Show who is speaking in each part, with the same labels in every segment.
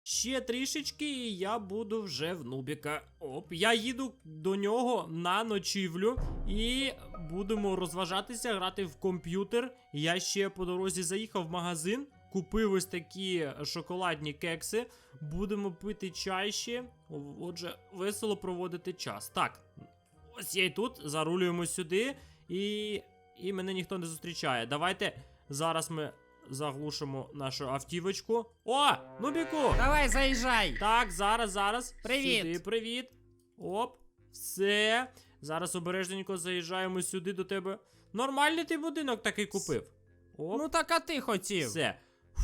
Speaker 1: Ще трішечки, і я буду вже в Нубіка. Оп, я їду до нього на ночівлю і будемо розважатися, грати в комп'ютер. Я ще по дорозі заїхав в магазин, купив ось такі шоколадні кекси. Будемо пити чай ще. Отже, весело проводити час. Так, ось я і тут, зарулюємо сюди, і мене ніхто не зустрічає. Давайте зараз ми заглушимо нашу автівочку. О, Нубіку!
Speaker 2: Давай, заїжджай.
Speaker 1: Так, зараз.
Speaker 2: Привіт.
Speaker 1: Сюди, привіт. Оп, все. Зараз обережненько заїжджаємо сюди до тебе. Нормальний ти будинок такий купив. Оп,
Speaker 2: Ну так а ти хотів.
Speaker 1: все.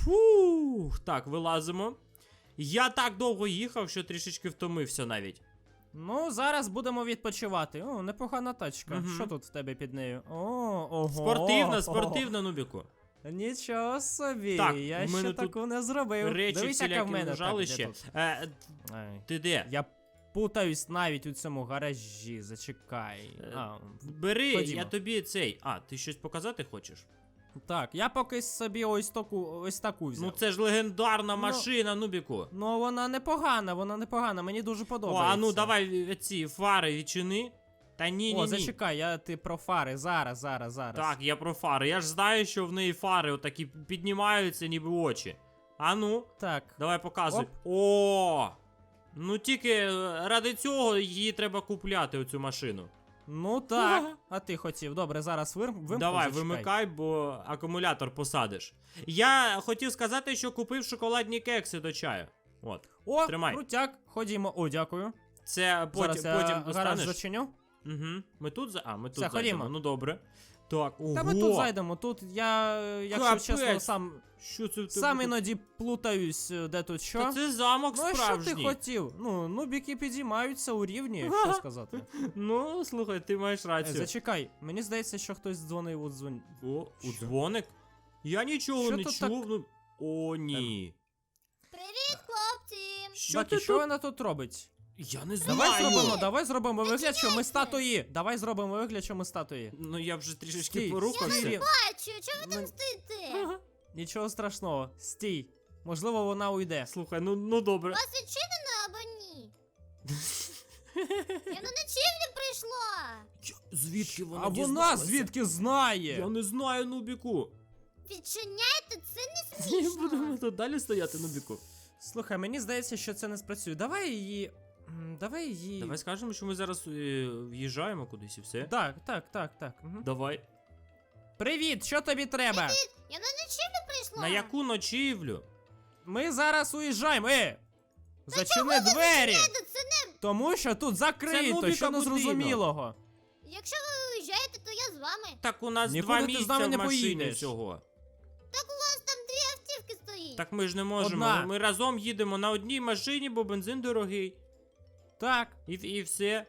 Speaker 1: Фух, так, вилазимо. Я так довго їхав, що трішечки втомився навіть.
Speaker 2: Ну, зараз будемо відпочивати. О, непогана тачка.
Speaker 1: Мгм.
Speaker 2: Що тут в тебе під нею? О, ого.
Speaker 1: Спортивна, Нубіку.
Speaker 2: Нічого собі,
Speaker 1: Так,
Speaker 2: я
Speaker 1: в мене
Speaker 2: ще
Speaker 1: тут
Speaker 2: такого не зробив.
Speaker 1: Речі
Speaker 2: Дивись, яка в
Speaker 1: всілякі
Speaker 2: мене
Speaker 1: лежали
Speaker 2: так, де
Speaker 1: ще.
Speaker 2: тут? Ай.
Speaker 1: Ти де?
Speaker 2: Я путаюсь навіть у цьому гаражі, зачекай.
Speaker 1: Бери,
Speaker 2: ходімо.
Speaker 1: я тобі цей. А, ти щось показати хочеш?
Speaker 2: Так, я поки собі ось таку взяв.
Speaker 1: Ну це ж легендарна машина, Нубіку.
Speaker 2: Ну, вона непогана, мені дуже
Speaker 1: О,
Speaker 2: подобається.
Speaker 1: а ну давай ці фари відчини. Та ні.
Speaker 2: О, зачекай, ти про фари, зараз.
Speaker 1: Так, я про фари. Я ж знаю, що в неї фари отакі піднімаються, ніби очі. А ну,
Speaker 2: Так.
Speaker 1: давай показуй.
Speaker 2: Оп.
Speaker 1: О! Ну тільки ради цього її треба купляти, оцю машину.
Speaker 2: Ну так, а ти хотів. Добре, зараз вимкну,
Speaker 1: Давай,
Speaker 2: зачекай.
Speaker 1: вимикай, бо акумулятор посадиш. Я хотів сказати, що купив шоколадні кекси до чаю. От.
Speaker 2: О,
Speaker 1: Тримай.
Speaker 2: крутяк, ходімо. О, дякую.
Speaker 1: Це
Speaker 2: Зараз я
Speaker 1: потім
Speaker 2: гараж
Speaker 1: достанеш.
Speaker 2: зачиню.
Speaker 1: Угу. Ми тут ми тут
Speaker 2: Все,
Speaker 1: зайдемо.
Speaker 2: ходімо.
Speaker 1: Ну добре. Так, ого.
Speaker 2: Та ми тут зайдемо, тут я, якщо
Speaker 1: Капець.
Speaker 2: чесно,
Speaker 1: Що це в тебе
Speaker 2: сам
Speaker 1: тут?
Speaker 2: іноді плутаюсь, де тут що.
Speaker 1: Та це замок
Speaker 2: Ну, а
Speaker 1: справжній.
Speaker 2: що ти хотів? Ну, нубіки підіймаються у рівні, що сказати.
Speaker 1: Ну, слухай, ти маєш рацію.
Speaker 2: Зачекай, мені здається, що хтось дзвонив у дзвон...
Speaker 1: О, у
Speaker 2: Що?
Speaker 1: дзвоник? Я нічого
Speaker 2: Що
Speaker 1: не
Speaker 2: тут
Speaker 1: чув. Ну... О, ні.
Speaker 3: Привіт, хлопці!
Speaker 1: Що
Speaker 2: Бакі,
Speaker 1: ти
Speaker 2: що
Speaker 1: тут?
Speaker 2: вона тут робить?
Speaker 1: Я не знаю.
Speaker 2: Давай зробимо вигляд, що ми статуї. Давай зробимо вигляд, що ми статуї.
Speaker 1: Ну я вже трішечки
Speaker 2: Стій,
Speaker 1: порухався.
Speaker 2: стій.
Speaker 3: Бачу, чого ви там
Speaker 2: Ну,
Speaker 3: стоїте?
Speaker 2: Нічого страшного. Стій. Можливо, вона уйде.
Speaker 1: Слухай, ну добре.
Speaker 3: Вас відчинено або ні? Я на ночівлю прийшла!
Speaker 1: Звідки вона
Speaker 2: А вона
Speaker 1: дізналася?
Speaker 2: звідки знає?
Speaker 1: Я не знаю, Нубіку.
Speaker 3: Відчиняйте, це не
Speaker 1: Ні,
Speaker 3: смішно!
Speaker 1: будемо тут далі стояти, Нубіку.
Speaker 2: Слухай, мені здається, що це не спрацює. Давай її.
Speaker 1: Давай скажемо, що ми зараз в'їжджаємо кудись і все.
Speaker 2: Так. Угу.
Speaker 1: Давай.
Speaker 2: Привіт, що тобі треба?
Speaker 3: Я на ночівлю прийшла!
Speaker 1: На яку ночівлю?
Speaker 2: Ми зараз уїжджаємо. Зачини двері!
Speaker 3: Це не...
Speaker 2: Тому що тут закрито,
Speaker 1: Нубіка
Speaker 2: що
Speaker 1: будинок.
Speaker 2: незрозумілого.
Speaker 3: Якщо ви уїжджаєте, то я з вами.
Speaker 1: Так у нас
Speaker 2: Нікуди
Speaker 1: 2
Speaker 2: ти з
Speaker 1: місця
Speaker 2: нами
Speaker 1: в
Speaker 2: не
Speaker 1: машині
Speaker 2: поїдеш.
Speaker 1: всього.
Speaker 3: Так у вас там 2 автівки стоїть.
Speaker 1: Так ми ж не можемо.
Speaker 2: Одна.
Speaker 1: Ми разом їдемо на одній машині, бо бензин дорогий.
Speaker 2: Так.
Speaker 1: І все.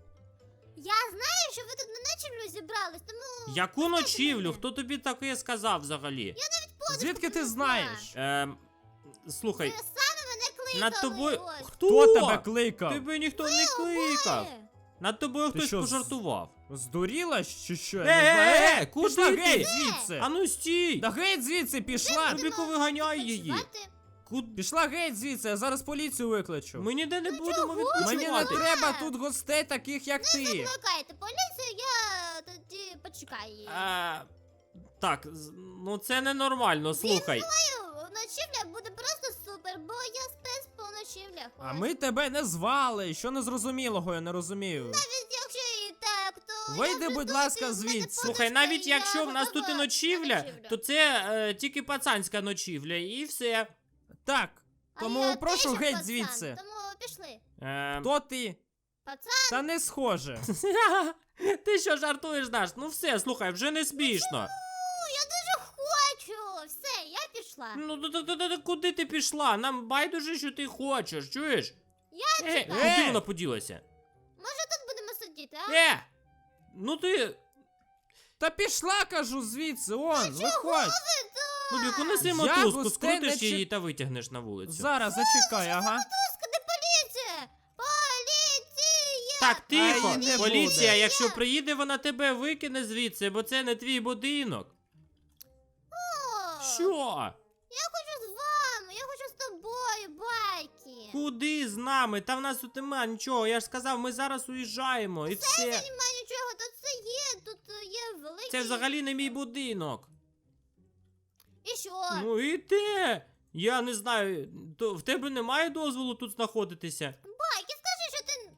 Speaker 3: Я знаю, що ви тут на ночівлю зібрались, тому...
Speaker 1: Яку ночівлю? Хто тобі таке сказав взагалі?
Speaker 2: Звідки ти знаєш?
Speaker 1: Слухай,
Speaker 3: Ви самі мене кликали.
Speaker 1: над тобою.
Speaker 3: ось.
Speaker 2: Хто тебе кликав?
Speaker 1: Тебе ніхто не кликав.
Speaker 3: Обоє.
Speaker 1: Над тобою
Speaker 2: Ти
Speaker 1: хтось
Speaker 2: що,
Speaker 1: пожартував.
Speaker 2: Здуріла чи що? Я не знаю.
Speaker 1: Куди
Speaker 2: Пішла
Speaker 1: ти?
Speaker 2: геть звідси.
Speaker 1: А ну стій!
Speaker 2: Да геть звідси пішла.
Speaker 1: Нубіку, виганяй її.
Speaker 3: Відпочивати?
Speaker 2: Пішла геть звідси, я зараз поліцію викличу.
Speaker 1: Ми ніде не будемо
Speaker 2: Мені не
Speaker 1: відпочивати.
Speaker 2: треба тут гостей таких, як ти.
Speaker 3: Викликайте поліцію, я тоді почекаю її.
Speaker 1: Так, ну це ненормально, слухай.
Speaker 3: Ночівля буде просто супер, бо я спец по ночівлях.
Speaker 2: А
Speaker 3: ось.
Speaker 2: ми тебе не звали. Що незрозумілого, я не розумію.
Speaker 3: Навіть якщо і так, то...
Speaker 2: Вийди,
Speaker 3: я вже
Speaker 2: будь
Speaker 3: тут,
Speaker 2: ласка,
Speaker 3: і в мене
Speaker 2: звідси.
Speaker 3: подушка,
Speaker 1: Слухай, навіть
Speaker 3: і я
Speaker 1: якщо в нас тут і
Speaker 3: готова на
Speaker 1: ночівля,
Speaker 3: ночівлю.
Speaker 1: то це тільки пацанська ночівля, і все.
Speaker 2: Так,
Speaker 3: А
Speaker 2: тому
Speaker 3: я
Speaker 2: прошу
Speaker 3: теж
Speaker 2: геть
Speaker 3: пацан,
Speaker 2: звідси.
Speaker 3: Тому пішли.
Speaker 2: Хто ти?
Speaker 3: Пацан,
Speaker 2: Та не схоже.
Speaker 1: Ти що жартуєш, Даш? Ну все, слухай, вже не смішно.
Speaker 3: я дуже хочу. Все, я пішла.
Speaker 1: Ну куди ти пішла? Нам байдуже, що ти хочеш, чуєш?
Speaker 3: Я
Speaker 1: Куди вона поділася?
Speaker 3: Може тут будемо сидіти, а?
Speaker 1: Ну ти.
Speaker 2: Та пішла, кажу, звідси, он, виходь.
Speaker 1: Ну, Біку, неси
Speaker 2: Я
Speaker 1: мотузку,
Speaker 2: гостей не
Speaker 1: скрутиш
Speaker 2: чи-
Speaker 1: її та витягнеш на вулицю.
Speaker 2: Зараз, зачекай, ага.
Speaker 3: Де поліція? Поліція!
Speaker 1: Так, тихо.
Speaker 2: А, і не
Speaker 1: Поліція,
Speaker 2: буде.
Speaker 1: якщо приїде, вона тебе викине звідси, бо це не твій будинок.
Speaker 3: О,
Speaker 1: Що?
Speaker 3: Я хочу з вами, я хочу з тобою, байк.
Speaker 1: Куди з нами? Та в нас тут нема нічого. Я ж сказав, ми зараз уїжджаємо і все.
Speaker 3: Немає нічого, тут є великий...
Speaker 1: Це взагалі не мій будинок.
Speaker 3: І що?
Speaker 1: Ну і те. Я не знаю, в тебе немає дозволу тут знаходитися?
Speaker 3: Байки, скажи, що ти...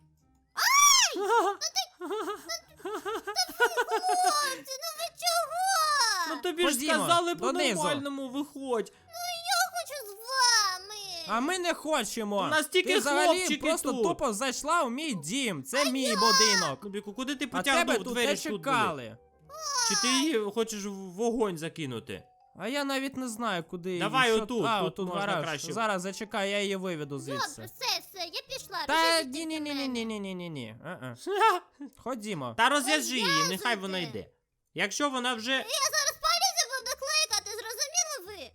Speaker 3: Хлопці, ну ви чого?
Speaker 1: Ну тобі ж
Speaker 2: Ходімо,
Speaker 1: сказали
Speaker 2: донизу.
Speaker 1: по-нормальному, виходь.
Speaker 3: Я хочу з вами.
Speaker 2: А ми не хочемо.
Speaker 1: У нас тільки
Speaker 2: ти взагалі
Speaker 1: хлопчики
Speaker 2: просто
Speaker 1: тут.
Speaker 2: тупо зайшла у мій дім. Це мій будинок.
Speaker 1: Нубіку, куди ти
Speaker 2: А тебе
Speaker 1: потягнув?
Speaker 2: тут
Speaker 1: Двері
Speaker 2: не
Speaker 1: ж тут були.
Speaker 2: чекали.
Speaker 1: Чи ти її хочеш в вогонь закинути?
Speaker 2: А я навіть не знаю, куди
Speaker 1: Давай
Speaker 2: її, що-
Speaker 1: отут,
Speaker 2: А,
Speaker 1: тут
Speaker 2: отут
Speaker 1: можна
Speaker 2: гараж.
Speaker 1: краще.
Speaker 2: Зараз зачекай, я її виведу
Speaker 3: Добре,
Speaker 2: звідси.
Speaker 3: все, я пішла.
Speaker 2: Та
Speaker 3: розв'яжіть
Speaker 2: ні, ні, ні, ні,
Speaker 3: мене.
Speaker 2: ні, ні, ні, ні. Ходімо.
Speaker 1: Та розв'яжи її, нехай
Speaker 3: Розв'язуйте.
Speaker 1: вона йде. Якщо вона вже.
Speaker 3: Я зараз поліцію буду кликати, зрозуміли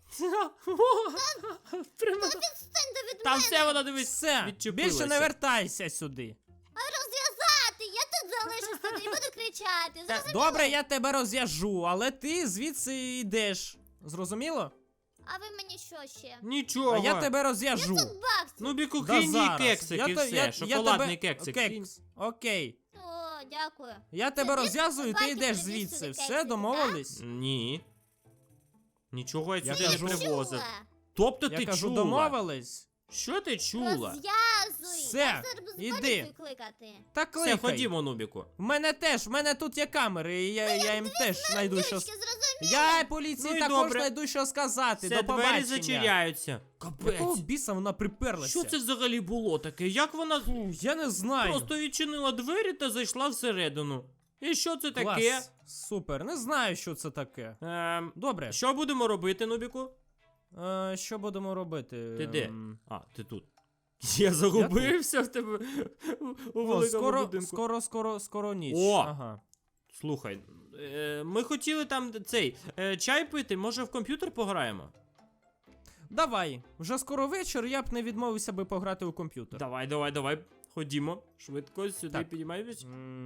Speaker 3: ви?
Speaker 1: Прямо.
Speaker 3: Відстаньте від
Speaker 1: Там
Speaker 3: мене.
Speaker 1: все вона дивись.
Speaker 2: Все,
Speaker 1: відчепилася.
Speaker 2: більше не вертайся сюди.
Speaker 3: А розв'язати, я тут залишусь туди і буду кричати.
Speaker 2: Та,
Speaker 3: Зрозуміли?
Speaker 2: добре, я тебе розв'яжу, але ти звідси йдеш. Зрозуміло?
Speaker 3: А ви мені що ще?
Speaker 1: Нічого.
Speaker 2: А я тебе розв'яжу.
Speaker 3: 500 баксів.
Speaker 1: Ну, біку,
Speaker 2: Да
Speaker 1: кинь їй
Speaker 2: зараз.
Speaker 1: кексик і
Speaker 2: то-
Speaker 1: все. Шоколадний
Speaker 2: тебе-
Speaker 1: кексик. кинь.
Speaker 2: Кекс. Окей.
Speaker 3: О, дякую.
Speaker 2: Я тебе
Speaker 3: Ти
Speaker 2: розв'язую, ти
Speaker 3: бачиш,
Speaker 2: йдеш
Speaker 3: тобі
Speaker 2: звідси.
Speaker 3: сюди
Speaker 2: Все,
Speaker 3: кексики,
Speaker 2: домовились?
Speaker 1: Ні. Нічого я
Speaker 2: Я
Speaker 1: сюди
Speaker 2: кажу-
Speaker 1: не привозив.
Speaker 3: Чула.
Speaker 1: Тобто
Speaker 2: Я
Speaker 1: ти
Speaker 2: кажу,
Speaker 1: чула?
Speaker 2: домовились?
Speaker 1: Що ти чула?
Speaker 3: Розв'язуй.
Speaker 2: Все,
Speaker 3: Я зараз буду
Speaker 2: іди.
Speaker 3: поліцію кликати.
Speaker 2: Та
Speaker 1: Все,
Speaker 2: кликай.
Speaker 1: ходімо, Нубіку.
Speaker 2: В мене тут є камери, і я їм теж знайду що...
Speaker 3: Дівчатки, зрозуміли?
Speaker 2: Я поліції
Speaker 1: Ну і
Speaker 2: також
Speaker 1: добре.
Speaker 2: знайду що сказати.
Speaker 1: Все,
Speaker 2: До
Speaker 1: двері
Speaker 2: побачення.
Speaker 1: зачиняються.
Speaker 2: Якого
Speaker 1: Капець.
Speaker 2: біса вона приперлася?
Speaker 1: Що це взагалі було таке? Як вона
Speaker 2: Я не знаю.
Speaker 1: просто відчинила двері та зайшла всередину? І що це
Speaker 2: Клас.
Speaker 1: таке?
Speaker 2: Супер, не знаю, що це таке. Добре.
Speaker 1: Що будемо робити, Нубіку?
Speaker 2: Що будемо робити?
Speaker 1: Ти де? А, ти тут. Я загубився в тебе у
Speaker 2: О,
Speaker 1: великому будинку.
Speaker 2: скоро ніч.
Speaker 1: О!
Speaker 2: Ага.
Speaker 1: Слухай, ми хотіли там чай пити, може в комп'ютер пограємо?
Speaker 2: Давай, вже скоро вечір, я б не відмовився би пограти у комп'ютер.
Speaker 1: Давай. Ходімо. Швидко сюди
Speaker 2: Так.
Speaker 1: підіймаємось.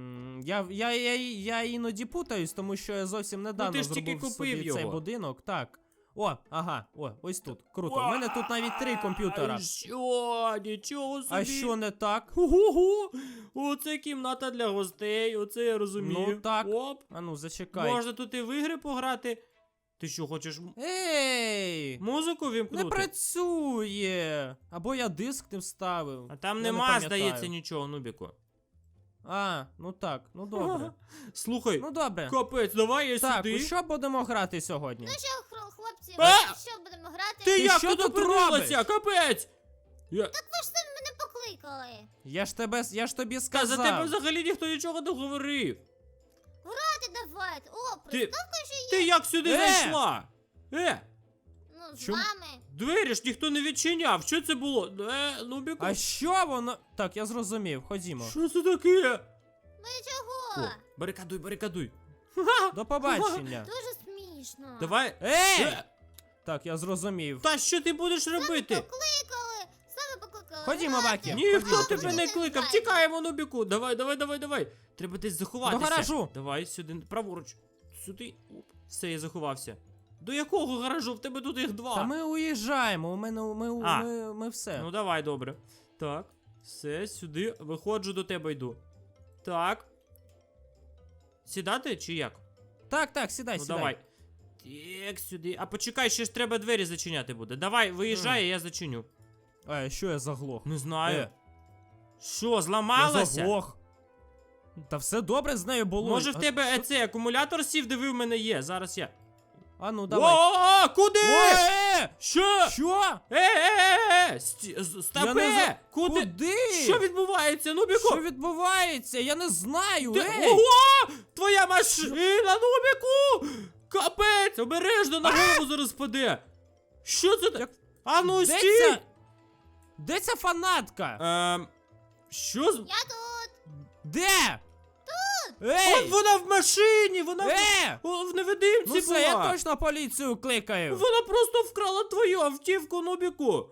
Speaker 2: Я іноді путаюсь, тому що я зовсім недавно
Speaker 1: ти ж тільки
Speaker 2: зробив
Speaker 1: купив
Speaker 2: собі цей
Speaker 1: його.
Speaker 2: будинок. Так. Ось тут. Круто. У мене тут навіть 3 комп'ютера.
Speaker 1: Що? Нічого собі.
Speaker 2: А що не так?
Speaker 1: Ого! Оце кімната для гостей, оце я розумію.
Speaker 2: Ну так.
Speaker 1: Оп.
Speaker 2: Ану, зачекай.
Speaker 1: Можна тут і в ігри пограти. Ти що, хочеш
Speaker 2: Ей!
Speaker 1: музику вімкнути?
Speaker 2: Не працює! Або я диск не вставив.
Speaker 1: А там
Speaker 2: Я не
Speaker 1: нема,
Speaker 2: пам'ятаю.
Speaker 1: здається, нічого, Нубіку.
Speaker 2: Ну так, ну добре.
Speaker 1: Слухай,
Speaker 2: Ну добре.
Speaker 1: капець, давай я
Speaker 2: Так,
Speaker 1: сюди.
Speaker 2: у що будемо грати сьогодні?
Speaker 3: Ну що, хлопці,
Speaker 1: А!
Speaker 3: що будемо грати?
Speaker 1: Ти як
Speaker 2: що
Speaker 1: тут
Speaker 2: тут
Speaker 1: опинилася?
Speaker 2: робиш?
Speaker 1: Капець!
Speaker 3: Ви ж самі мене покликали.
Speaker 2: Я ж тобі
Speaker 1: Та
Speaker 2: сказав.
Speaker 1: за тебе взагалі ніхто нічого не говорив.
Speaker 3: Грати давайте. О,
Speaker 1: Ти-
Speaker 3: приставка ще є.
Speaker 1: Ти як сюди зайшла?
Speaker 3: Ну, з
Speaker 2: Чому?
Speaker 3: вами.
Speaker 1: Двері ж ніхто не відчиняв. Що це було? Нубіку.
Speaker 2: А що воно? Так, я зрозумів, ходімо.
Speaker 1: Що це таке?
Speaker 3: Ви чого?
Speaker 1: О, барикадуй.
Speaker 2: До побачення.
Speaker 3: Дуже смішно.
Speaker 1: Давай.
Speaker 2: Ей! Так, я зрозумів.
Speaker 1: Та що ти будеш робити?
Speaker 3: Покликали. Саме покликали.
Speaker 2: Ходімо, Бакі.
Speaker 1: Ніхто
Speaker 2: Ходімо,
Speaker 1: тебе не кликав. Тікаємо, Нубіку. Давай. Треба десь заховатися.
Speaker 2: До гаражу.
Speaker 1: Давай сюди, праворуч. Сюди. Оп. Все, я заховався. До якого гаражу? В тебе тут їх 2.
Speaker 2: Та ми уїжджаємо, ми все.
Speaker 1: Ну давай, добре. Так. Все, сюди. Виходжу, до тебе йду. Так. Сідати чи як?
Speaker 2: Так, сідай,
Speaker 1: Ну
Speaker 2: сідай.
Speaker 1: давай. Так, сюди. А почекай, ще ж треба двері зачиняти буде. Давай, виїжджай, я зачиню.
Speaker 2: Що я заглох?
Speaker 1: Не знаю.
Speaker 2: Е.
Speaker 1: Що,
Speaker 2: Я
Speaker 1: зламалася?
Speaker 2: заглох. Та все добре з нею було.
Speaker 1: Може в тебе цей акумулятор сів, диви, в мене є. Зараз я.
Speaker 2: Ну давай.
Speaker 1: О, куди?
Speaker 2: Ой!
Speaker 1: Що?
Speaker 2: Що?
Speaker 1: Стопе!
Speaker 2: Я не
Speaker 1: Куди?
Speaker 2: Куди?
Speaker 1: Що відбувається, Нубіку?
Speaker 2: Що відбувається? Я не знаю.
Speaker 1: Ти...
Speaker 2: Ей!
Speaker 1: Ого! Твоя машина, Нубіку! Капець! Обережно на голову зараз впаде! Що це?
Speaker 2: Як-
Speaker 1: А ну
Speaker 2: Де
Speaker 1: стій!
Speaker 2: ця? Де ця фанатка?
Speaker 1: Що з...
Speaker 3: Я тут.
Speaker 2: Де? Тут! Ей!
Speaker 1: От вона в машині! Вона в невидимці
Speaker 2: Ну все,
Speaker 1: була!
Speaker 2: я точно поліцію кликаю.
Speaker 1: Вона просто вкрала твою автівку, Нубіку!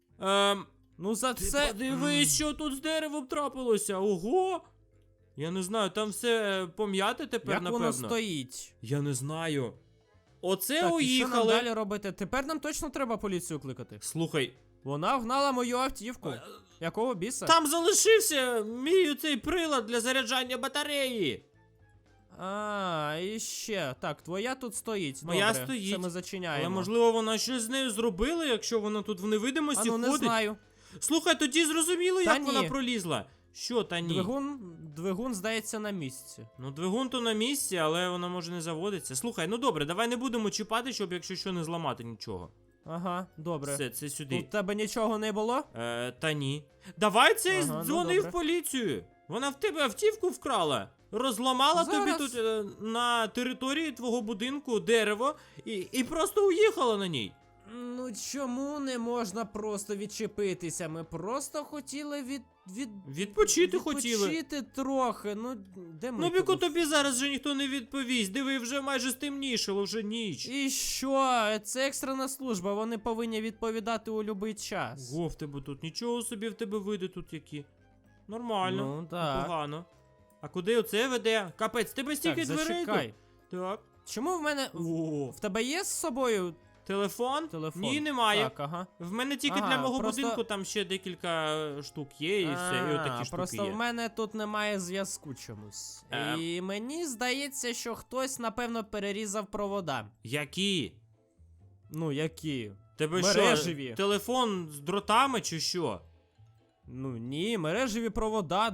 Speaker 2: Ну за
Speaker 1: Ти
Speaker 2: це...
Speaker 1: подивись, що тут з деревом трапилося! Ого! Я не знаю, там все пом'яте тепер,
Speaker 2: Як
Speaker 1: напевно.
Speaker 2: воно стоїть?
Speaker 1: Я не знаю. Оце
Speaker 2: Так, і що нам
Speaker 1: уїхали.
Speaker 2: далі робити? Тепер нам точно треба поліцію кликати.
Speaker 1: Слухай,
Speaker 2: Вона вгнала мою автівку. Якого біса?
Speaker 1: Там залишився мій цей прилад для заряджання батареї.
Speaker 2: А, і ще. Так, твоя тут стоїть.
Speaker 1: Моя
Speaker 2: Добре,
Speaker 1: стоїть.
Speaker 2: Це ми зачиняємо.
Speaker 1: Але можливо вона щось з нею зробила, якщо вона тут в невидимості
Speaker 2: не
Speaker 1: ходить.
Speaker 2: знаю.
Speaker 1: Слухай, тоді зрозуміло,
Speaker 2: Та
Speaker 1: як вона
Speaker 2: ні.
Speaker 1: пролізла. Що та ні?
Speaker 2: Двигун, здається, на місці.
Speaker 1: Ну, двигун то на місці, але вона може не заводиться. Слухай, ну добре, давай не будемо чіпати, щоб якщо що не зламати нічого.
Speaker 2: Ага, добре.
Speaker 1: Все, це сюди.
Speaker 2: У тебе нічого не було?
Speaker 1: Та ні. Давай цей
Speaker 2: Ага, ну
Speaker 1: дзвони
Speaker 2: добре.
Speaker 1: в поліцію. Вона в тебе автівку вкрала. Розламала тобі
Speaker 2: Зараз.
Speaker 1: тут на території твого будинку дерево і просто уїхала на ній.
Speaker 2: Ну чому не можна просто відчепитися? Ми просто хотіли
Speaker 1: Відпочити хотіли.
Speaker 2: Відпочити трохи. Ну, де ми?
Speaker 1: Ну, Біку,
Speaker 2: тут?
Speaker 1: тобі зараз вже ніхто не відповість. Диви, вже майже стемнішало, вже ніч.
Speaker 2: І що? Це екстрена служба, вони повинні відповідати у будь-який час.
Speaker 1: Ого, в тебе тут нічого собі в тебе види тут які. Нормально.
Speaker 2: Ну, так.
Speaker 1: Непогано. А куди оце веде? Капець, тебе стільки
Speaker 2: Так,
Speaker 1: дверей
Speaker 2: зачекай.
Speaker 1: тут. Так.
Speaker 2: Чому в мене...
Speaker 1: О,
Speaker 2: В тебе є з собою
Speaker 1: телефон?
Speaker 2: телефон?
Speaker 1: Ні, немає.
Speaker 2: Так, ага.
Speaker 1: В мене тільки
Speaker 2: Ага,
Speaker 1: для мого
Speaker 2: просто-
Speaker 1: будинку там ще декілька штук є, і все, і отакі штуки
Speaker 2: просто
Speaker 1: є.
Speaker 2: в мене тут немає зв'язку чомусь.
Speaker 1: Ем.
Speaker 2: І мені здається, що хтось, напевно, перерізав провода.
Speaker 1: Які?
Speaker 2: Ну, які?
Speaker 1: Тебе
Speaker 2: Мережеві.
Speaker 1: що, телефон з дротами чи що?
Speaker 2: Ну ні, мережеві провода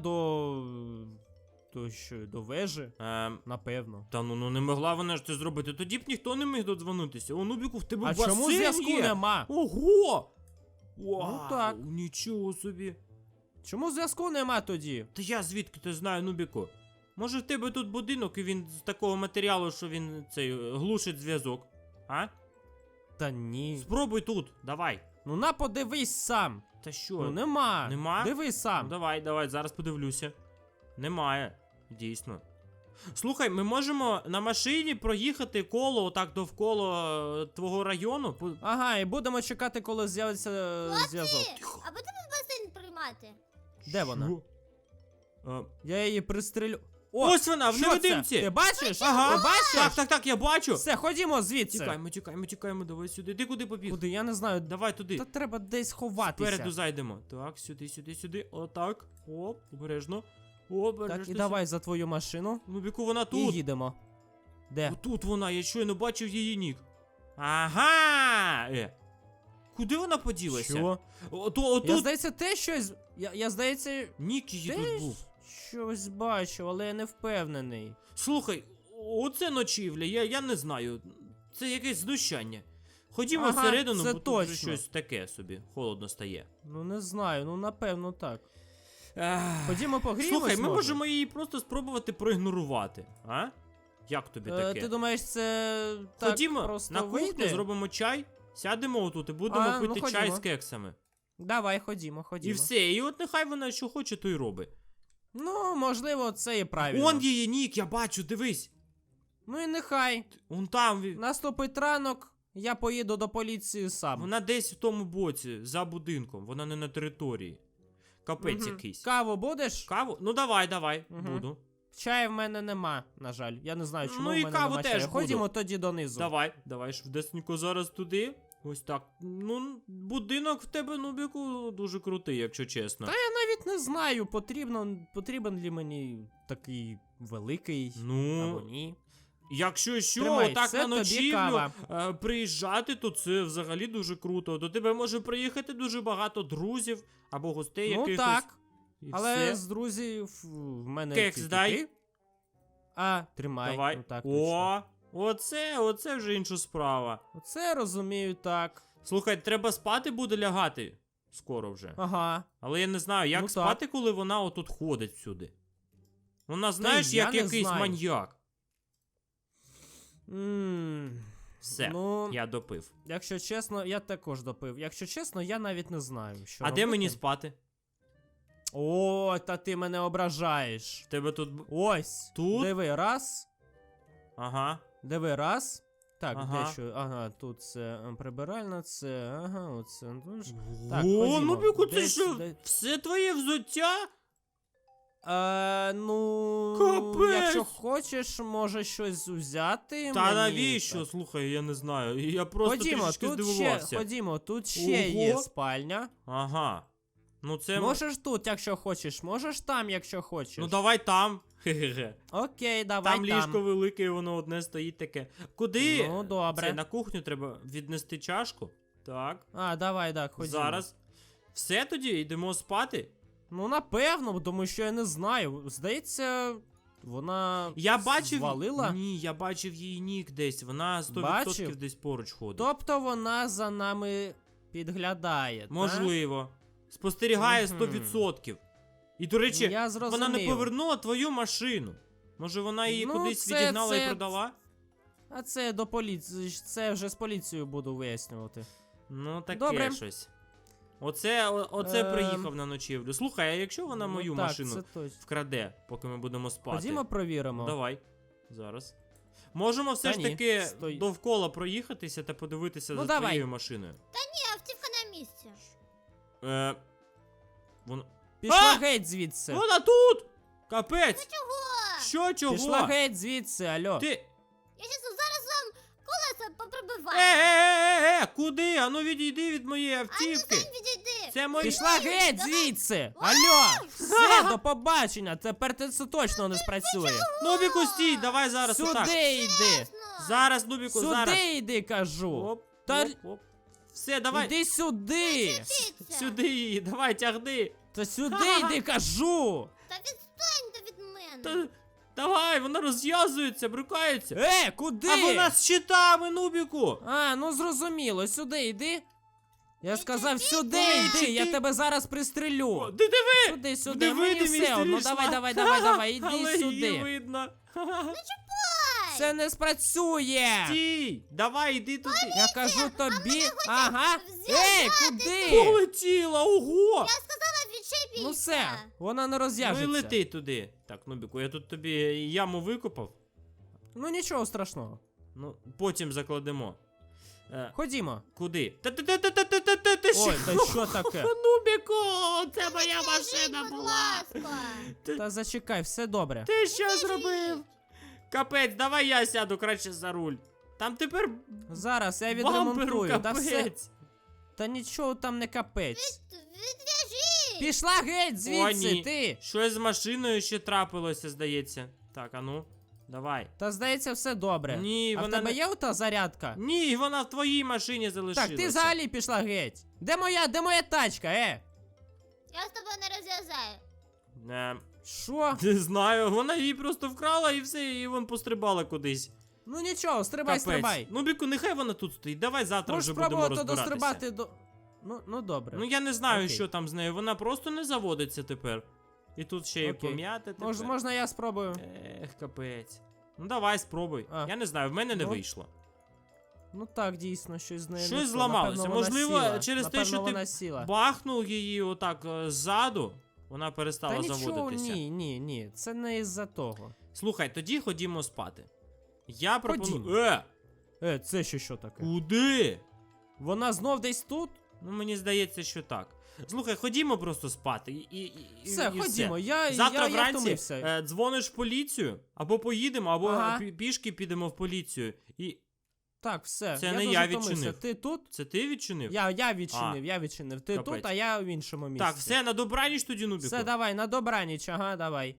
Speaker 2: до вежі, напевно.
Speaker 1: Та ну не могла вона ж це зробити, тоді б ніхто не міг додзвонитися. О, Нубіку, в тебе
Speaker 2: А
Speaker 1: басейн
Speaker 2: чому зв'язку
Speaker 1: є?
Speaker 2: нема?
Speaker 1: Ого! Вау,
Speaker 2: так.
Speaker 1: Нічого собі.
Speaker 2: Чому зв'язку нема тоді?
Speaker 1: Та я звідки ти знаю, Нубіку? Може в тебе тут будинок і він з такого матеріалу, що він глушить зв'язок? А?
Speaker 2: Та ні.
Speaker 1: Спробуй тут, давай.
Speaker 2: Ну на подивись сам.
Speaker 1: Та що?
Speaker 2: Ну нема.
Speaker 1: Нема?
Speaker 2: Дивись сам.
Speaker 1: Ну, давай, зараз подивлюся. Немає, дійсно. Слухай, ми можемо на машині проїхати коло отак довкола твого району.
Speaker 2: Ага, і будемо чекати, коли з'явиться зв'язок.
Speaker 3: А будемо басейн приймати?
Speaker 2: Де вона?
Speaker 1: Що?
Speaker 2: Я її пристрелю. О,
Speaker 1: Ось вона, в
Speaker 2: що
Speaker 1: невидимці!
Speaker 2: це? Ти бачиш?
Speaker 1: Ага.
Speaker 2: Ти бачиш?
Speaker 1: Так, я бачу.
Speaker 2: Все, ходімо звідси.
Speaker 1: Тікаємо, давай сюди. Ти куди побіг?
Speaker 2: Куди? Я не знаю.
Speaker 1: Давай туди.
Speaker 2: Та треба десь ховатися.
Speaker 1: Спереду зайдемо. Так, сюди. Отак. Оп, обережно. Обережно.
Speaker 2: Так, і давай за твою машину.
Speaker 1: Ну, Біку, вона
Speaker 2: І
Speaker 1: тут.
Speaker 2: їдемо. Де?
Speaker 1: Отут вона, я щойно бачив її нік. Ага! Куди вона поділася?
Speaker 2: Що? Я,
Speaker 1: Отут.
Speaker 2: здається, те щось... Я здається,
Speaker 1: Нік її
Speaker 2: те
Speaker 1: тут був.
Speaker 2: щось бачив, але я не впевнений.
Speaker 1: Слухай, оце ночівля, я не знаю. Це якесь знущання. Ходімо
Speaker 2: Ага,
Speaker 1: всередину,
Speaker 2: це
Speaker 1: бо тут вже
Speaker 2: точно.
Speaker 1: щось таке собі. Холодно стає.
Speaker 2: Ну не знаю, ну напевно так.
Speaker 1: Ах.
Speaker 2: Ходімо погріємось,
Speaker 1: Слухай, ми
Speaker 2: може?
Speaker 1: можемо її просто спробувати проігнорувати, а? Як тобі таке?
Speaker 2: Ти думаєш, це так
Speaker 1: Ходімо
Speaker 2: просто
Speaker 1: на кухню,
Speaker 2: вийде?
Speaker 1: зробимо чай, сядемо отут і будемо
Speaker 2: А, ну,
Speaker 1: пити чай
Speaker 2: ходімо.
Speaker 1: з кексами.
Speaker 2: Давай, ходімо.
Speaker 1: І все, і от нехай вона що хоче, то й робить.
Speaker 2: Ну, можливо, це і правильно.
Speaker 1: Он її нік, я бачу, дивись.
Speaker 2: Ну і нехай.
Speaker 1: Он там.
Speaker 2: Наступить ранок, я поїду до поліції сам.
Speaker 1: Вона десь в тому боці, за будинком, вона не на території. Капець
Speaker 2: Мгм.
Speaker 1: якийсь.
Speaker 2: Каву будеш?
Speaker 1: Каву? Ну давай,
Speaker 2: Мгм.
Speaker 1: буду.
Speaker 2: Чаю в мене нема, на жаль. Я не знаю, чому
Speaker 1: Ну
Speaker 2: в
Speaker 1: і
Speaker 2: мене
Speaker 1: каву
Speaker 2: нема
Speaker 1: теж
Speaker 2: чаю.
Speaker 1: буду.
Speaker 2: Ходімо тоді донизу.
Speaker 1: Давай, швидесенько зараз туди. Ось так. Ну, будинок в тебе, Нубіку, дуже крутий, якщо чесно.
Speaker 2: Та я навіть не знаю, потрібен ли мені такий великий або
Speaker 1: Ну,
Speaker 2: ні.
Speaker 1: якщо що,
Speaker 2: Тримай,
Speaker 1: отак
Speaker 2: це
Speaker 1: на
Speaker 2: тобі
Speaker 1: ночівлю
Speaker 2: кава.
Speaker 1: приїжджати, то це взагалі дуже круто. До тебе може приїхати дуже багато друзів або гостей
Speaker 2: Ну
Speaker 1: якихось.
Speaker 2: так,
Speaker 1: І
Speaker 2: але
Speaker 1: все.
Speaker 2: з друзів в мене
Speaker 1: Кекс
Speaker 2: тільки
Speaker 1: дай.
Speaker 2: ти. А, тримай.
Speaker 1: Давай.
Speaker 2: Ну, так, точно.
Speaker 1: Оце вже інша справа.
Speaker 2: Оце розумію так.
Speaker 1: Слухай, треба спати буде лягати скоро вже.
Speaker 2: Ага.
Speaker 1: Але я не знаю, як
Speaker 2: Ну, так.
Speaker 1: спати, коли вона отут ходить всюди. Вона, знаєш,
Speaker 2: я
Speaker 1: як
Speaker 2: не
Speaker 1: якийсь
Speaker 2: знаю.
Speaker 1: маньяк.
Speaker 2: Ммм.
Speaker 1: Все,
Speaker 2: Ну,
Speaker 1: я допив.
Speaker 2: якщо чесно, я також допив. Якщо чесно, я навіть не знаю, що
Speaker 1: А
Speaker 2: робити.
Speaker 1: де мені спати?
Speaker 2: О, та ти мене ображаєш.
Speaker 1: В тебе тут.
Speaker 2: Ось.
Speaker 1: Тут?
Speaker 2: Диви, раз.
Speaker 1: Ага.
Speaker 2: Диви, раз. Так,
Speaker 1: Ага.
Speaker 2: дещо. Ага, тут це прибиральна, це. Ага, оце. Так,
Speaker 1: О,
Speaker 2: ходімо.
Speaker 1: ну Біку, це
Speaker 2: Десь-
Speaker 1: що?
Speaker 2: де-
Speaker 1: Все твоє взуття?
Speaker 2: Ну,
Speaker 1: Капець!
Speaker 2: якщо хочеш, може щось взяти.
Speaker 1: Та
Speaker 2: мені.
Speaker 1: навіщо? Слухай, я не знаю. Я просто трішечки здивувався.
Speaker 2: Ходімо, тут ще є
Speaker 1: Ого.
Speaker 2: спальня.
Speaker 1: Ага. Ну це...
Speaker 2: Можеш тут, якщо хочеш, можеш там, якщо хочеш.
Speaker 1: Ну давай там. Хе-хе-хе.
Speaker 2: Окей, давай
Speaker 1: Там ліжко велике, і воно одне стоїть таке. Куди?
Speaker 2: Ну, добре.
Speaker 1: Це на кухню треба віднести чашку. Так.
Speaker 2: А, давай, так, ходімо.
Speaker 1: Зараз. Все тоді, йдемо спати.
Speaker 2: Ну, напевно, тому що я не знаю. Здається, вона
Speaker 1: Я бачив.
Speaker 2: звалила.
Speaker 1: Ні, я бачив її нік десь. Вона 100%
Speaker 2: Бачив?
Speaker 1: десь поруч ходить.
Speaker 2: Тобто вона за нами підглядає, так?
Speaker 1: Можливо. Спостерігає
Speaker 2: Мгм.
Speaker 1: 100%. І, до речі,
Speaker 2: Я зрозумів.
Speaker 1: вона не повернула твою машину. Може вона її
Speaker 2: Ну,
Speaker 1: кудись
Speaker 2: це-
Speaker 1: відігнала
Speaker 2: це-
Speaker 1: і продала?
Speaker 2: А це до поліції, це вже з поліцією буду вияснювати.
Speaker 1: Ну, таке
Speaker 2: Добре.
Speaker 1: щось. Оце
Speaker 2: Ем.
Speaker 1: приїхав на ночівлю. Слухай, а якщо вона
Speaker 2: Ну,
Speaker 1: мою
Speaker 2: так,
Speaker 1: машину
Speaker 2: це точно.
Speaker 1: вкраде, поки ми будемо спати?
Speaker 2: Ходімо провіримо.
Speaker 1: Давай. Зараз. Можемо все
Speaker 2: Та
Speaker 1: ж
Speaker 2: ні,
Speaker 1: таки
Speaker 2: стой.
Speaker 1: довкола проїхатися та подивитися
Speaker 2: Ну,
Speaker 1: за
Speaker 2: давай.
Speaker 1: твоєю машиною.
Speaker 3: Ні, автівка на місці.
Speaker 1: Вона...
Speaker 2: Пішла
Speaker 1: А!
Speaker 2: геть звідси.
Speaker 1: Вона тут! Капець!
Speaker 3: Чого?
Speaker 1: Що, чого?
Speaker 2: Пішла геть звідси, алло.
Speaker 1: Ти...
Speaker 3: Я щас зараз вам колеса попробиваю.
Speaker 1: Куди? Ану відійди від моєї
Speaker 3: А ну
Speaker 1: автівки.
Speaker 3: сам відійди.
Speaker 1: Це мої...
Speaker 2: Пішла геть звідси! Алло! Все, до побачення! Тепер це точно не спрацює.
Speaker 1: Нубіку, стій, давай зараз отак.
Speaker 2: Сюди йди!
Speaker 3: Ну,
Speaker 1: Зараз, Нубіку, зараз.
Speaker 2: Сюди йди, кажу!
Speaker 1: Оп,
Speaker 2: Та-
Speaker 1: оп, оп. Все, давай.
Speaker 2: Іди сюди!
Speaker 3: вчиться.
Speaker 1: Сюди її, давай, тягни.
Speaker 2: Та сюди йди, кажу!
Speaker 3: Та відстаньте від мене.
Speaker 1: Та, давай, вона розв'язується, брукається.
Speaker 2: Куди?
Speaker 1: А вона з щитами, Нубіку.
Speaker 2: А, ну зрозуміло, сюди йди. Я сказав, сюди
Speaker 1: Ей,
Speaker 2: йди,
Speaker 1: чи
Speaker 2: я
Speaker 1: ти-
Speaker 2: тебе зараз
Speaker 1: О,
Speaker 2: пристрелю.
Speaker 1: ти диви.
Speaker 2: Сюди, сюди,
Speaker 1: Диви,
Speaker 2: мені
Speaker 1: дивись,
Speaker 2: все
Speaker 1: ти
Speaker 2: одно.
Speaker 1: пішла.
Speaker 2: Давай,
Speaker 1: Але
Speaker 2: іди
Speaker 1: її
Speaker 2: сюди.
Speaker 1: видно.
Speaker 2: Це не спрацює.
Speaker 1: Стій, давай, іди туди.
Speaker 2: Я кажу тобі. Ага.
Speaker 3: зв'язати
Speaker 2: Куди?
Speaker 1: Полетіла, ого.
Speaker 3: Я сказала, відчепіться.
Speaker 2: Ну все, вона не
Speaker 1: Ну і
Speaker 2: розв'яжеться.
Speaker 1: лети туди. Так, Нубіку, я тут тобі яму викопав.
Speaker 2: Ну нічого страшного.
Speaker 1: Ну, потім закладемо.
Speaker 2: Ходімо.
Speaker 1: Куди? Ти
Speaker 2: Ой,
Speaker 1: що?
Speaker 2: та що таке?
Speaker 1: Нубіку, це моя
Speaker 3: Відв'яжіть,
Speaker 1: машина
Speaker 3: будь
Speaker 1: була.
Speaker 3: ласка.
Speaker 2: Та зачекай, все добре.
Speaker 1: Ти що зробив? Капець, давай я сяду краще за руль. Там тепер
Speaker 2: Зараз я
Speaker 1: бамперу
Speaker 2: відремонтую. Та все.
Speaker 1: капець.
Speaker 2: Та нічого там не капець.
Speaker 3: Відв'яжіть.
Speaker 2: Пішла геть
Speaker 1: О,
Speaker 2: звідси,
Speaker 1: ні.
Speaker 2: ти.
Speaker 1: Щось з машиною ще трапилося, здається. Так, а ну, давай.
Speaker 2: Та здається, все добре.
Speaker 1: Ні,
Speaker 2: А в
Speaker 1: вона
Speaker 2: тебе
Speaker 1: не...
Speaker 2: є ота зарядка?
Speaker 1: Ні, вона в твоїй машині залишилася.
Speaker 2: Так, ти взагалі пішла геть. Де моя тачка,
Speaker 3: Я з тобою не розв'язаю.
Speaker 2: Що?
Speaker 1: Не знаю, вона її просто вкрала і все, і вон пострибала кудись.
Speaker 2: Ну нічого, стрибай, стрибай.
Speaker 1: Ну, Біку, нехай вона тут стоїть. Давай завтра
Speaker 2: Можеш
Speaker 1: вже будемо
Speaker 2: спробувати
Speaker 1: розбиратися.
Speaker 2: дострибати до. Ну добре.
Speaker 1: Ну я не знаю,
Speaker 2: Окей.
Speaker 1: що там з нею. Вона просто не заводиться тепер. І тут ще й
Speaker 2: Окей.
Speaker 1: пом'яти тепер.
Speaker 2: Можна я спробую?
Speaker 1: Капець. Ну давай, спробуй.
Speaker 2: А.
Speaker 1: Я не знаю, в мене не
Speaker 2: Ну,
Speaker 1: вийшло.
Speaker 2: Ну так, дійсно, щось з нею.
Speaker 1: Щось
Speaker 2: не то.
Speaker 1: зламалося.
Speaker 2: Напевно, вона
Speaker 1: Можливо,
Speaker 2: сіла.
Speaker 1: через те,
Speaker 2: Напевно,
Speaker 1: що ти
Speaker 2: вона сіла.
Speaker 1: Бахнув її отак ззаду, вона перестала
Speaker 2: Та нічого,
Speaker 1: заводитися.
Speaker 2: ні, це не із-за того.
Speaker 1: Слухай, тоді ходімо спати. Я пропоную.
Speaker 2: Ходімо. Це ще що таке?
Speaker 1: Куди?
Speaker 2: Вона знов десь тут?
Speaker 1: Ну мені здається, що так. Слухай, ходімо просто спати.
Speaker 2: Все,
Speaker 1: і
Speaker 2: ходімо,
Speaker 1: все.
Speaker 2: я
Speaker 1: Завтра
Speaker 2: я
Speaker 1: вранці
Speaker 2: втомився.
Speaker 1: дзвониш в поліцію, або поїдемо, або
Speaker 2: Ага.
Speaker 1: пішки підемо в поліцію. І
Speaker 2: Так, все.
Speaker 1: Це
Speaker 2: я
Speaker 1: не
Speaker 2: дуже
Speaker 1: я
Speaker 2: втомився.
Speaker 1: відчинив.
Speaker 2: Ти тут?
Speaker 1: це ти відчинив?
Speaker 2: Я відчинив. Ти
Speaker 1: Капець.
Speaker 2: тут, а я в іншому місці.
Speaker 1: Так, все, на добраніч тоді, Нубіку.
Speaker 2: Все, давай, на добраніч, ага, давай.